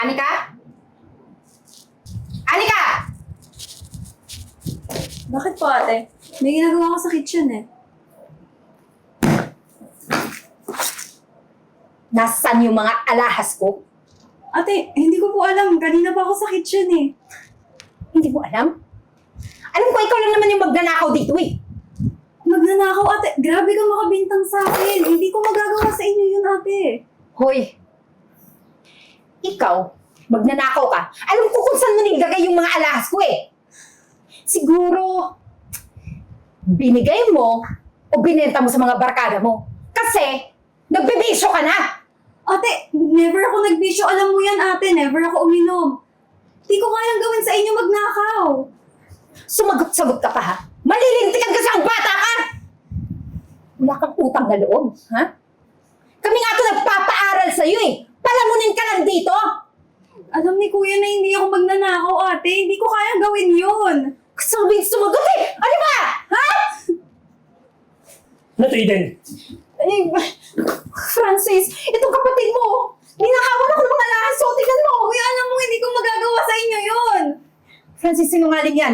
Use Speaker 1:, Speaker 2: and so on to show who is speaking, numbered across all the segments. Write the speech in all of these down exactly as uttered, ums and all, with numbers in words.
Speaker 1: Anika? Anika!
Speaker 2: Bakit po, ate? May ginagawa ko sa kitchen eh.
Speaker 1: Nasaan yung mga alahas ko?
Speaker 2: Ate, hindi ko po alam. Kanina pa ako sa kitchen eh.
Speaker 1: Hindi mo alam? Alam ko, ikaw lang naman yung magnanakaw dito eh.
Speaker 2: Magnanakaw, ate. Grabe ka makabintang sa akin. Hindi ko magagawa sa inyo yun, ate.
Speaker 1: Hoy, ikaw, magnanakaw ka. Alam ko kung saan mo nilagay yung mga alahas ko eh. Siguro, binigay mo o binenta mo sa mga barkada mo. Kasi, nagbibisyo ka na.
Speaker 2: Ate, never ako nagbisyo. Alam mo yan, ate. Never ako uminom. Di ko kayang gawin sa inyo magnakaw.
Speaker 1: Sumagot-sagot ka pa ha? Malilintikan ka sa ang bata ka! Wala kang utang na loob, ha? Kami nga ito nagpapaaral sa'yo eh. Palamunin ka lang dito.
Speaker 2: Alam ni kuya na hindi ako magnanakaw, ate. Hindi ko kayang gawin yun.
Speaker 1: Sabihin sumagot eh! Ano ba? Ha?
Speaker 3: Ano to, Eden?
Speaker 1: Eh, Francis, itong kapatid mo, ninakawan ako ng mga lahas. So, tingnan mo.
Speaker 2: Kuya, alam mo, hindi ko magagawa sa inyo yun.
Speaker 1: Francis, sinungaling yan.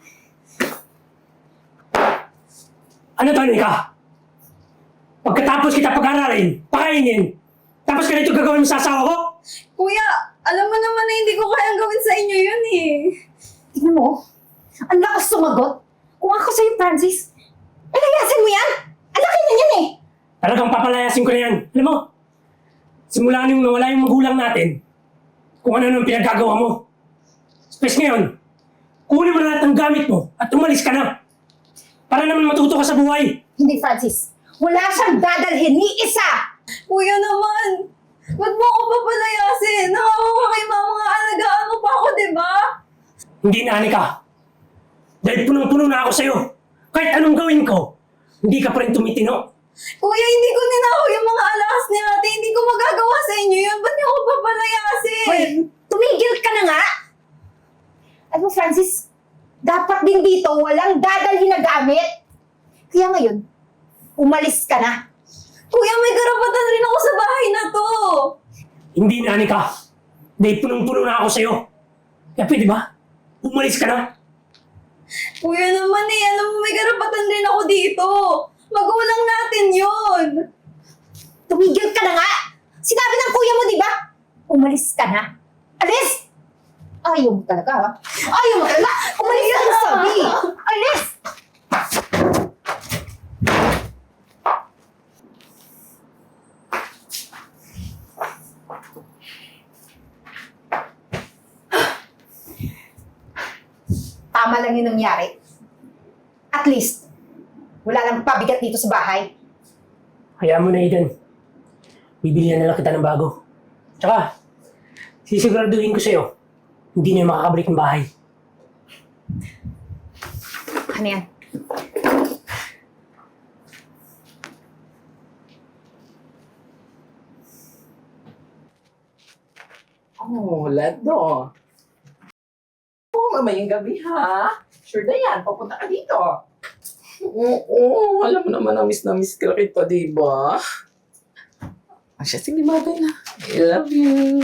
Speaker 3: Ano to, Anika? Pagkatapos kita pag-aralin, pakainin, tapos ganito gagawin mo sa asawa ko?
Speaker 2: Kuya, alam mo naman na hindi ko kayang gawin sa inyo yun eh.
Speaker 1: Tingnan mo, ang lakas sumagot. Kung ako sa'yo, Francis, palayasin mo yan. Ang laki na yan eh.
Speaker 3: Talagang papalayasin ko na yan. Alam mo, simula nung nawala yung magulang natin, kung ano nang pinaggagawa mo. Space ngayon, kunin mo na lahat ng gamit mo at umalis ka na. Para naman matuto ka sa buhay.
Speaker 1: Hindi, Francis. Wala siyang dadalhin ni isa.
Speaker 2: Kuya naman, ba't mo ako papalayasin? Nakawa kay mama nga alagaan mo pa ako, di ba?
Speaker 3: Hindi na, Anika. Dahil punong-puno na ako sa'yo. Kahit anong gawin ko, hindi ka pa rin tumitino.
Speaker 2: Kuya, hindi ko ninakaw yung mga alahas ni ate. Hindi ko magagawa sa inyo yun. Ba't niyo ako papalayasin?
Speaker 1: Hoy, tumigil ka na nga. Ano, Francis? Dapat din dito walang dadalhin na gamit. Kaya ngayon, umalis ka na.
Speaker 2: Kuya, may karapatan rin ako sa bahay na to.
Speaker 3: Hindi na, Anika. Dahil punong-puno na ako sa'yo. Kaya pwede ba? Umalis ka na.
Speaker 2: Kuya naman eh, alam mo may karapatan rin ako dito. Magulang natin yun.
Speaker 1: Tumigil ka na nga. Sinabi ng kuya mo, di ba? Umalis ka na. Alis! Ayaw mo talaga, ha? Ayaw mo talaga! Umalis ka na, sabi! Alis! Tama lang yung nangyari. At least, wala nang pabigat dito sa bahay.
Speaker 3: Hayaan mo na, Eden. Bibilihan na lang kita ng bago. Tsaka, sisiguraduhin ko sa'yo, hindi na yung makakabalik ng bahay.
Speaker 1: Ano yan?
Speaker 4: Oh, Lado. Oo, mamayang gabi ha. Sure na yan, papunta ka dito. Oo, alam mo naman na miss na miss ka kita, di ba? Ah, siya, sige, bagay na. I love you.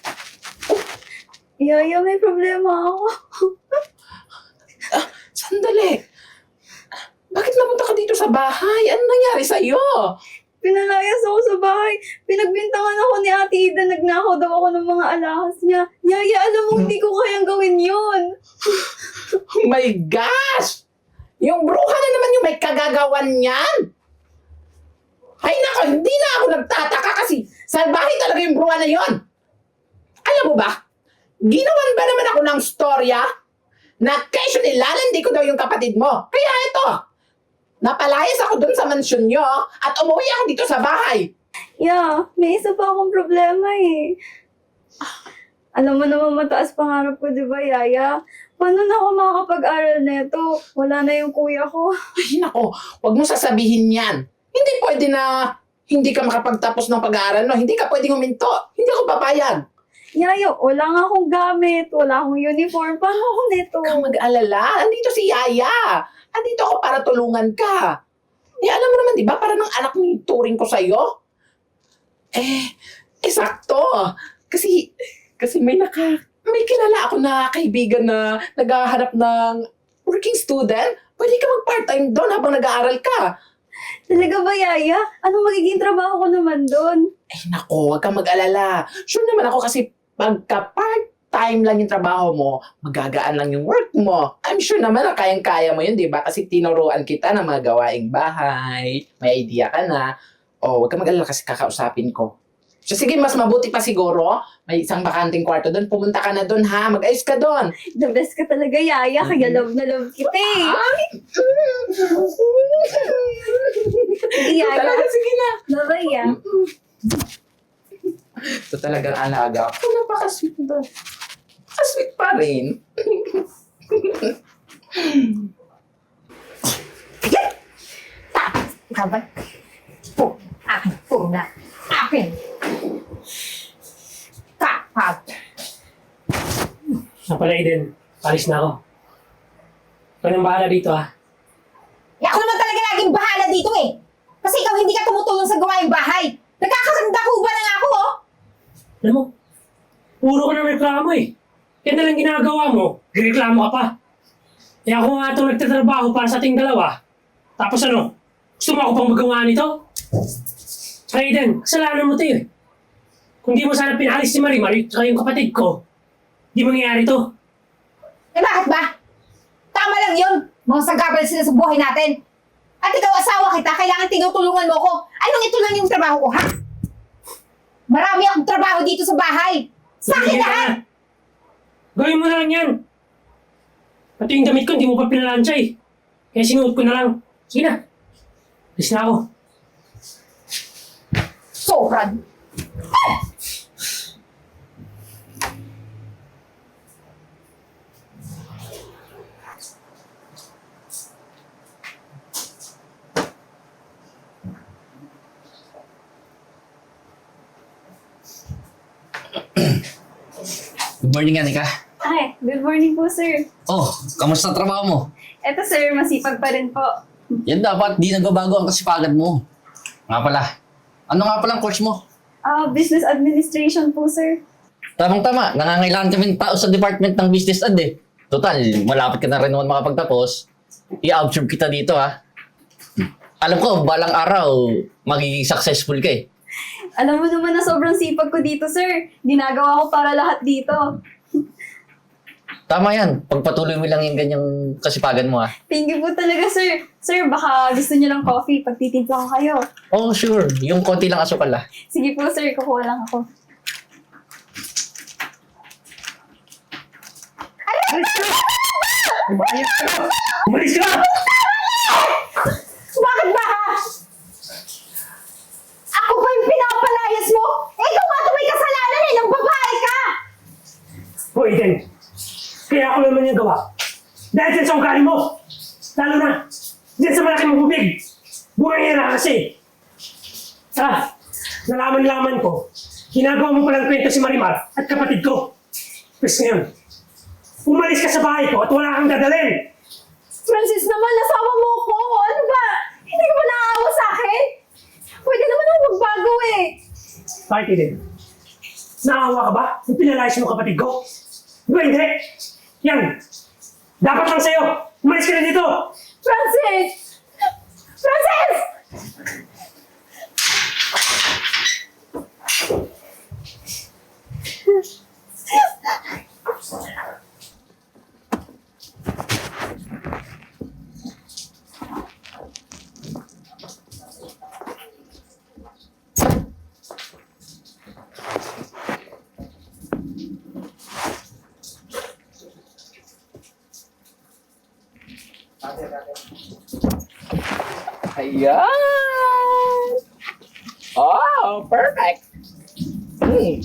Speaker 2: Yaya, may problema ako.
Speaker 4: Ah, sandali. Bakit napunta ka dito sa bahay? Ano nangyari sa'yo?
Speaker 2: Pinalayas ako sa bahay. Pinagbintangan ako ni Ate Ida. Nagnakaw daw ako ng mga alahas niya. Yaya, alam mo, hindi ko kayang gawin yun.
Speaker 4: Oh my gosh! Yung bruha na naman yung may kagagawan niyan. Ay nako, hindi na ako nagtataka kasi salbahe talaga yung bruha na yon. Alam mo ba, ginawan ba naman ako ng storya na kesyo nilalandi ko daw yung kapatid mo. Kaya ito, napalayas ako dun sa mansyon nyo at umuwi ako dito sa bahay.
Speaker 2: Yeah, may isa pa akong problema eh. Alam mo naman mataas pangarap ko, di ba, Yaya? Paano na ako makakapag-aral neto? Wala na yung kuya ko.
Speaker 4: Ay nako, wag mo sasabihin yan. Hindi pwede na hindi ka makapagtapos ng pag-aaral, no? Hindi ka pwedeng huminto. Hindi ako papayag.
Speaker 2: Yaya, wala nga akong gamit. Wala akong uniform. Paano ako neto?
Speaker 4: Huwag kang mag-alala. Andito si Yaya. Andito ako para tulungan ka. Eh, alam mo naman, di ba? Para ng anak ni turing ko sa'yo. Eh, eh, sakto. Kasi, Kasi may naka, may kilala ako na kaibigan na naghahanap ng working student. Pwede ka mag-part-time doon habang nag-aaral ka.
Speaker 2: Talaga ba, Yaya? Anong magiging trabaho ko naman doon?
Speaker 4: Ay nako, huwag kang mag-alala. Sure naman ako kasi pagka part-time lang yung trabaho mo, magagaan lang yung work mo. I'm sure naman na kayang-kaya mo yun, di ba? Kasi tinuruan kita ng mga gawaing bahay. May idea ka na. O, huwag kang mag-alala kasi kakausapin ko. So, sige, mas mabuti pa siguro. May isang bakanting kwarto doon. Pumunta ka na doon, ha? Mag-ayos ka doon.
Speaker 2: The best ka talaga, Yaya. Kaya love na love kita eh. Sige, Yaya.
Speaker 4: Talaga, sige na.
Speaker 2: Bye-bye, ah.
Speaker 4: Ito talagang alaga. Ako, napaka-sweet doon. Napaka-sweet pa rin.
Speaker 1: Kapag, po, akin, po na, akin. Kapag.
Speaker 3: Sa pala, Eden. Palis na ako. Ikaw nang bahala dito, ha?
Speaker 1: Eh, ako naman talaga laging bahala dito eh. Kasi ikaw hindi ka tumutulong sa gawaing bahay. Nagkakaganda ko ba na nga ako, oh?
Speaker 3: Alam mo, puro ka ng reklamo eh. Yan na lang ginagawa mo, reklamo ka pa. Eh ako nga itong nagtatrabaho para sa ating dalawa. Tapos ano, gusto mo ako pang magawa nito? Saka Eden, kasalanan mo ito eh. Kung di mo sana pinalis si Marie, Marie, tsaka yung kapatid ko, di mangyayari to.
Speaker 1: Eh bakit ba? Tama lang yun. Mga sagabal sila sa buhay natin. At ikaw asawa kita, kailangan tinutulungan mo ko. Anong ito lang yung trabaho ko, ha? Marami akong trabaho dito sa bahay. Sa akin
Speaker 3: Sige
Speaker 1: lahat!
Speaker 3: na. Gawin mo na lang yan. Pati yung damit ko, hindi mo pa pinalansya eh. Kaya sinuot ko na lang. Sige na. Alis na ako.
Speaker 1: Sobrang.
Speaker 5: Good morning, Anika.
Speaker 2: Ay, good morning po, sir.
Speaker 5: Oh, kamusta trabaho mo?
Speaker 2: Eto, sir, masipag pa rin po.
Speaker 5: Yan dapat, di nagbabago ang kasipagan mo. Nga pala, ano nga pala ang course mo?
Speaker 2: Ah, business administration po, sir.
Speaker 5: Tamang-tama, nangangailangan kami ng tao sa department ng business ad eh. Total, malapit ka na rin naman makapagtapos. I-absorb kita dito ha. Alam ko, balang araw, magiging successful ka eh.
Speaker 2: Alam mo naman na sobrang sipag ko dito, sir. Ginagawa ko para lahat dito.
Speaker 5: Tama yan, pagpatuloy mo lang yung ganyang kasipagan mo ha.
Speaker 2: Thank you po talaga, sir. Sir, baka gusto niyo ng coffee. Pagtitimpla ko kayo.
Speaker 5: Oh, sure, yung konti lang asukal ha.
Speaker 2: Sige po, sir. Kukuha lang ako.
Speaker 3: Umayos ka! Umalis ka!
Speaker 1: Bakit ba, ha? Ako ba yung pinapalayas mo? Eh, ikaw nga ito may kasalanan eh, nang babae ka!
Speaker 3: O Eden, kaya ako naman yung gawa. Dahil dyan sa ugali mo. Lalo na, dyan sa malaking bubig. Buhay na kasi. Ah, nalaman-laman ko, ginagawa mo palang kwento si Marimar at kapatid ko. Pwes ngayon, umalis ka sa bahay ko at wala kang dadalhin.
Speaker 2: Francis naman, nasawa mo ko. Ano ba? Hindi ka ba naaawa sa akin? Pwede naman ako magbago eh.
Speaker 3: Bakit Eden? Naawa ka ba? Yung pinalayas mo kapatid ko? Di ba hindi? Yan! Dapat lang sa'yo! Umalis ka na dito!
Speaker 2: Francis! Francis!
Speaker 4: Ayan! Oh, perfect! Hmm.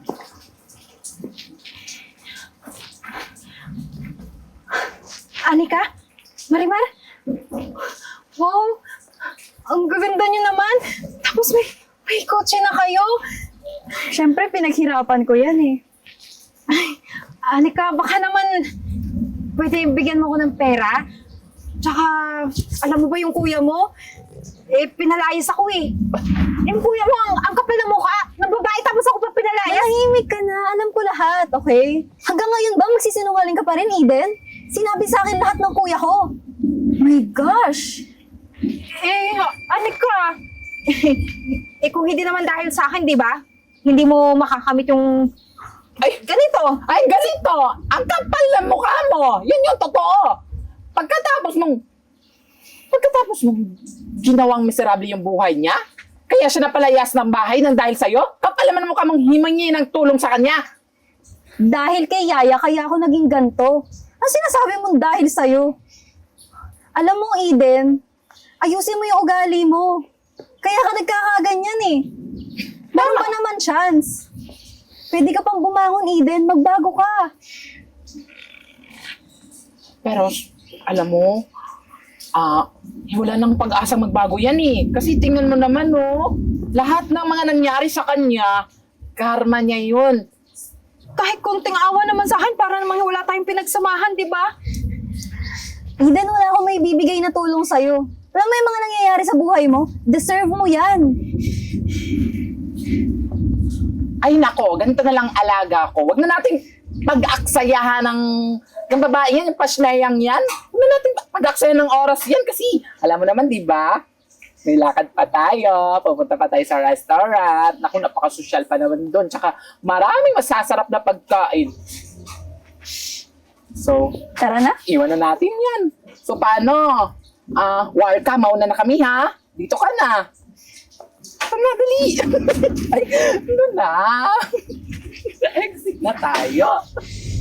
Speaker 2: Anika? Marimar? Wow! Ang gaganda niyo naman! Tapos may, may kotse na kayo! Siyempre, pinaghirapan ko yan eh. Ay, Anika, baka naman pwede bigyan mo ko ng pera? Tsaka, alam mo ba yung kuya mo? Eh, pinalayas ako eh. Yung kuya mo, ang, ang kapal na mukha. Ng babae, tapos ako pa pinalayas.
Speaker 6: Manahimik ka na. Alam ko lahat, okay? Hanggang ngayon ba magsisinungaling ka pa rin, Eden? Sinabi sa akin lahat ng kuya ko. My gosh!
Speaker 2: Eh, anik ka. eh, kung hindi naman dahil sa akin, di ba? Hindi mo makakamit yung
Speaker 4: Ay,
Speaker 2: ganito.
Speaker 4: ay, ganito! Ang kapal ng mukha mo! Yun yung totoo! Pagkatapos mong... Pagkatapos mong ginawang miserable yung buhay niya, kaya siya napalayas ng bahay ng dahil sa'yo, kapal naman ang mukha mong himangi ng tulong sa kanya.
Speaker 6: Dahil kay Yaya, kaya ako naging ganto. Ang sinasabi mo dahil sa'yo. Alam mo, Eden, ayusin mo yung ugali mo. Kaya ka nagkakaganyan eh. Meron pa naman chance. Pwede ka pang bumangon, Eden. Magbago ka.
Speaker 4: Pero, alam mo, ah, wala nang pag-asang magbago yan eh. Kasi tingnan mo naman, no, lahat ng mga nangyari sa kanya, karma niya yun.
Speaker 2: Kahit konting awa naman sa akin, para namang wala tayong pinagsamahan, di ba?
Speaker 6: Eden, wala akong may bibigay na tulong sa'yo. Alam mo yung mga nangyayari sa buhay mo? Deserve mo yan.
Speaker 4: Ay nako, ganito na lang alaga ko. Huwag na nating pag-aksayahan ng, ng babae yan, yung pasnayang yan. Huwag na nating pag-aksayahan ng oras yan kasi alam mo naman, di ba? May lakad pa tayo, pupunta pa tayo sa restaurant. Naku, napaka-social pa naman doon. Tsaka maraming masasarap na pagkain. So,
Speaker 6: Tara na.
Speaker 4: iwan na natin yan. So, paano? Ah, Warka, mauna na kami ha? Dito ka na. Tara na, dali. Ay, ano na? Exit na tayo.